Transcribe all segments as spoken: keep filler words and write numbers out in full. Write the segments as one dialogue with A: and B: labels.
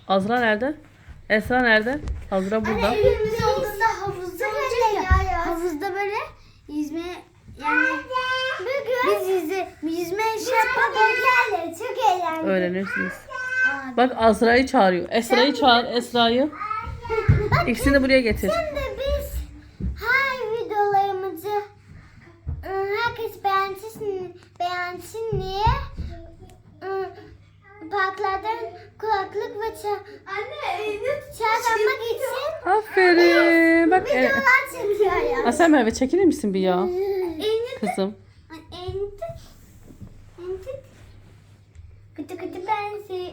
A: Azra nerede? Esra nerede? Azra burada.
B: Anne evimiz olduğunda havuzda olacak ya. Havuzda böyle yüzme yani biz yüzme, yüzme şey yapalım. Çok eğlenceli.
A: Öğrenirsiniz. Bak Azra'yı çağırıyor. Esra'yı çağır. Esra'yı. İkisini de buraya getir.
B: Şimdi biz her videolarımızı ıı, herkes beğensin, beğensin diye ıı, parklardan kulaklık ve ça- çağırmak için
A: Aferin. Bak. e,
B: videolar çekiyor ya.
A: Asel Merve çekilir misin bir ya?
B: Enit,
A: Kızım.
B: enit, enit. Kutu kutu bensi.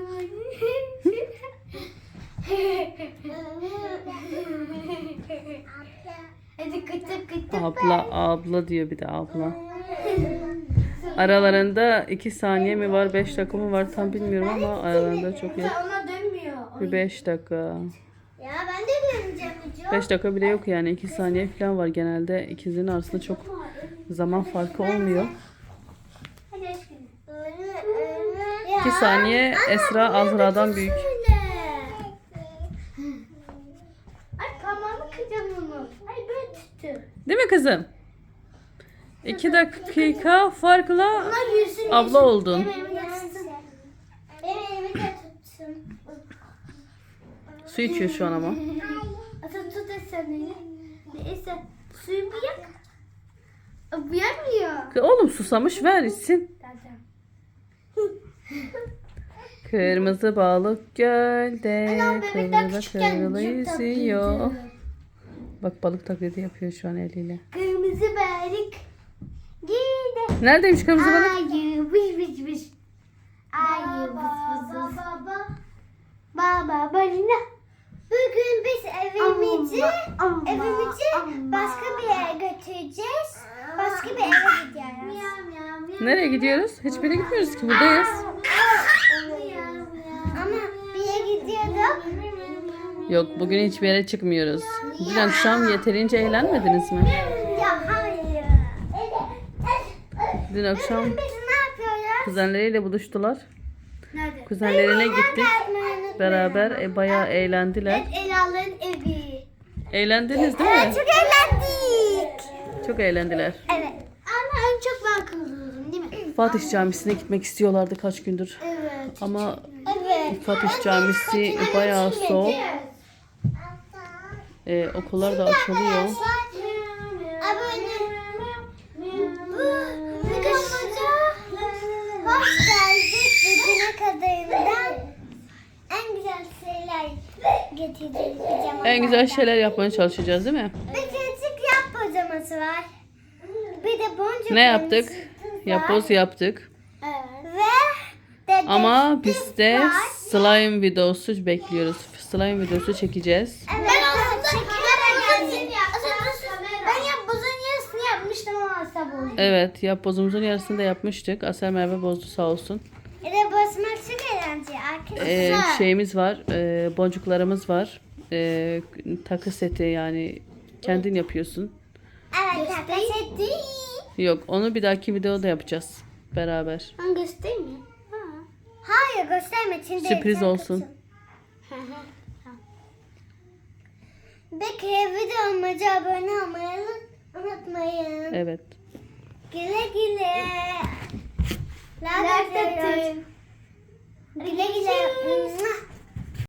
B: Hadi kutu kutu
A: Abla abla diyor bir de abla. Aralarında iki saniye mi var, beş dakika mı var tam bilmiyorum ama aralarında çok yok.
B: Ona dönmüyor.
A: Bir beş dakika.
B: Ya ben de döneceğim hocam.
A: beş dakika bile yok yani iki saniye falan var genelde. İkizlerin arasında çok zaman farkı olmuyor.
B: Hadi aşkım.
A: iki saniye Esra Azra'dan büyük.
B: Ay parmağımı kıracağım onu. Ay böyle tuttu.
A: Değil mi kızım? iki dakika farkla
B: Ama yüzünü
A: abla oldun.
B: Benim elimi de tutsun. Benim elimi de tutsun.
A: Su içiyor şu an ama.
B: Atın tut seni. Neyse suyu bir yak. Bu yakmıyor.
A: Oğlum susamış ver içsin. Kırmızı balık gölde kıvrıla kıvrıla yüzüyor. Bak balık taklidi yapıyor şu an eliyle.
B: Kırmızı balık. Gide.
A: Neredeymiş kırmızı balık?
B: Ayı vış vış vış. Ayı vış vış vış. Baba balina. Bugün biz evimizi evimizi başka bir yere götüreceğiz. Başka bir eve gidiyoruz.
A: Nereye gidiyoruz? Hiçbir yere gitmiyoruz ki buradayız.
B: Ama bir yere gidiyorduk.
A: Yok bugün hiçbir yere çıkmıyoruz. Dün akşam yeterince eğlenmediniz mi?
B: Ya hayır.
A: Dün akşam
B: Biz ne yapıyoruz?
A: kuzenleriyle buluştular.
B: Nerede?
A: Kuzenlerine gittik. Beraber e, bayağı eğlendiler.
B: Ela'nın evi.
A: Eğlendiniz değil mi?
B: Çok eğlendik.
A: Çok eğlendiler.
B: Evet. Ama en çok ben kızıyordum değil mi?
A: Fatih Camisi'ne gitmek istiyorlardı kaç gündür.
B: Evet.
A: Ama
B: Evet.
A: Fatih Camisi bayağı soğuk. Ee, okullar da açılıyor.
B: Abone. Bu videomuza hoş geldik. Bugüne kadarından en güzel şeyler getirdik pijamalardan.
A: En güzel şeyler yapmaya çalışacağız değil mi?
B: Bir küçük yap pijaması var. Bir de boncuk.
A: Ne yaptık? Yapboz yaptık.
B: Evet. Ve de
A: Ama biz de
B: var.
A: slime videosu bekliyoruz. Slime videosu çekeceğiz.
B: Evet, ben aslında çekilerek ben yapbozun yarısını yapmıştım ama asla bozdu.
A: Evet, yapbozumuzun yarısını da yapmıştık. Asel Merve bozdu sağ olsun.
B: Bir de bozmak çok eğlenceli arkadaşlar.
A: Ee, şeyimiz var, e, boncuklarımız var. E, takı seti yani kendin yapıyorsun.
B: Evet, takı değil.
A: Yok, onu bir dahaki videoda yapacağız beraber.
B: Ben göstereyim mi? Ha. Hayır gösterme. Şimdi
A: Sürpriz olsun.
B: Peki videomuza abone olmayı unutmayın.
A: Evet.
B: Güle güle. Like atın. Güle güle.